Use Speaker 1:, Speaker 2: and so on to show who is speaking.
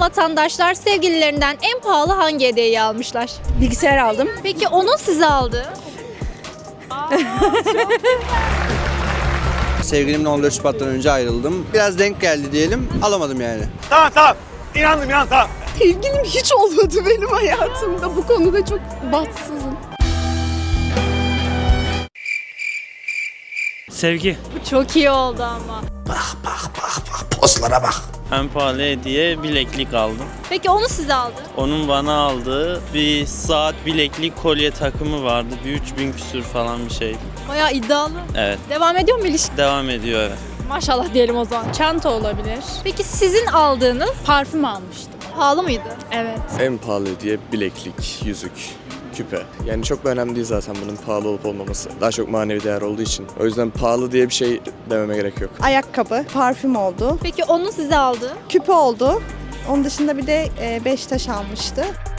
Speaker 1: vatandaşlar sevgililerinden en pahalı hangi hediyeyi almışlar?
Speaker 2: Bilgisayar aldım.
Speaker 1: Peki onun size aldığı?
Speaker 3: Sevgilimle 14 Şubat'tan önce ayrıldım. Biraz denk geldi diyelim. Alamadım yani.
Speaker 4: Tamam. İnandım tamam.
Speaker 2: Sevgilim hiç olmadı benim hayatımda. Bu konuda çok bahtsızım.
Speaker 5: Sevgi.
Speaker 1: Bu çok iyi oldu ama.
Speaker 3: Postlara bak.
Speaker 5: En pahalı hediye bileklik aldım.
Speaker 1: Peki onu size aldı?
Speaker 5: Onun bana aldığı bir saat, bileklik, kolye takımı vardı. Bir 3000 küsür falan bir şeydi.
Speaker 1: Bayağı iddialı.
Speaker 5: Evet.
Speaker 1: Devam ediyor mu ilişki?
Speaker 5: Devam ediyor evet.
Speaker 1: Maşallah diyelim o zaman.
Speaker 6: Çanta olabilir.
Speaker 1: Peki sizin aldığınız
Speaker 6: Parfüm almıştım.
Speaker 1: pahalı mıydı?
Speaker 6: Evet.
Speaker 7: En pahalı hediye bileklik, yüzük, küpe. Yani çok da önemli değil zaten bunun pahalı olup olmaması. Daha çok manevi değer olduğu için. O yüzden pahalı diye bir şey dememe gerek yok.
Speaker 2: Ayakkabı, parfüm oldu.
Speaker 1: Peki onun size aldığı?
Speaker 2: Küpe oldu. Onun dışında bir de 5 taş almıştı.